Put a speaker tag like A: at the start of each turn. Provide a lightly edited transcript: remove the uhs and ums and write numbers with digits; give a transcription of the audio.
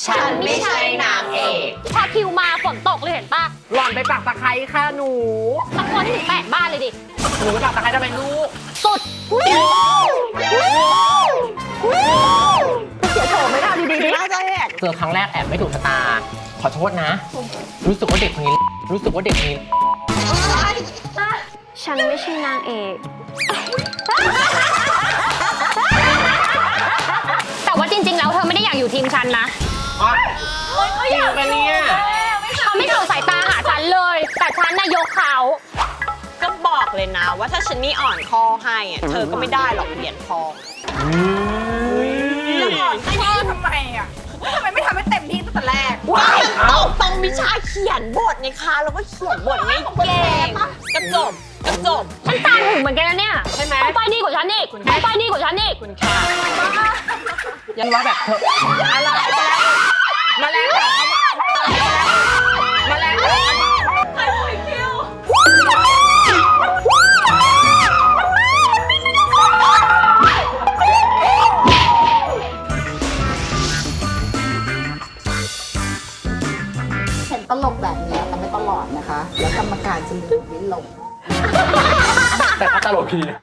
A: ฉันไม่ใช่นางเอกพอคิวมาฝนตกเลยเห็นปะ
B: หล่อนไปปักตะไคร้ค่ะหนู
A: ตะโกนให้ถึง8 บ้านเลยดิ
B: หนูไปปักตะไคร้ทำไมลูก
A: สุดเสียโฉมไม่ได้ดีๆน่าจะแหก
B: เจอครั้งแรกแอบไม่ถูกชะตา ขอโทษนะ รู้สึกว่าเด็กคนนี้ รู้สึกว่าเด็กคนนี้
A: ฉันไม่ใช่นางเอกแต่ว่าจริงๆแล้วเธอไม่ได้อยากอยู่ทีมฉันนะ
B: อ๋อจริงปะเนี่ย
A: เขาไม่ส่งสายตาหาฉันเลย แต่ฉันน่ะยกเขา
C: ก็บอกเลยนะว่าถ้าฉันนี่อ่อนคอให้อะเธอก็ไม่ได้หรอกเหรียญทองแล้วก่อนไอ้นี่ทำไมอ่ะทำไมไม่ทำให้เต็มที่ตั้งแต่แรกว่ามันต้องวิชาเขียนบทไงคะแล้วก็เขียนบทไม่เก่งก็จบ
A: ฉันตามถึงเหมือนกันนะเนี่ยใช่ไหมไปดีกว่าฉันอีกไปดีกว่าฉันอีก
C: คุณค่ะ
B: ยันว่าแบบเธออะไรมาแล้วมาแล้ว
D: เห็นตลกแบบนี้แต่ไม่ตลอดนะคะ แล้วกรรมการจะมีลิ้นลง
B: แต่ก็ตลกดีนะ